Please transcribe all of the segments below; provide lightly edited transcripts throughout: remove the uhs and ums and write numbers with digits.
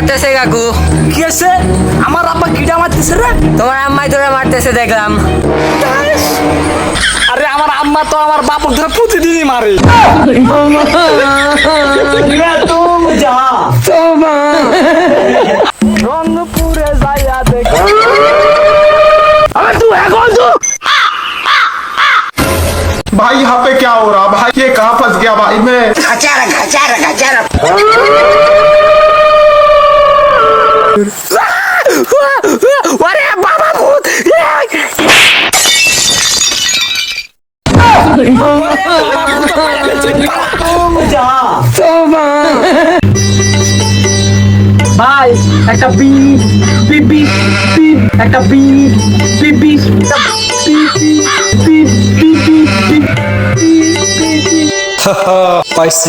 মারতেছে কাকু। কি আছে? আমার আব্বা কিডা মারতেছে রে? তোমার আম্মাই তোরা মারতেছে দেখলাম। আরে আমার আম্মা তো আমার বাপক ধরে প্রতিদিনই মারে। রংপুরে যাইয়া দেখ। अबे तू है कौन तू? भाई यहाँ पे क्या हो रहा भाई ये कहाँ फंस गया भाई मैं अरे बाबा भूत ভাই একটা বিপ বিপ বিপ বিপ একটা beep beep beep beep beep beep spicy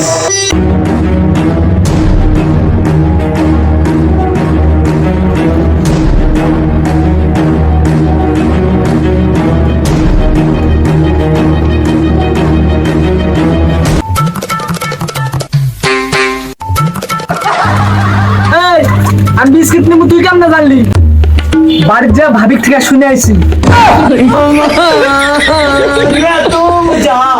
আমি বিস্কিট নেবো তুই কেমন জানলি? বাড়ির যা ভাবিক থেকে শুনে আইছি।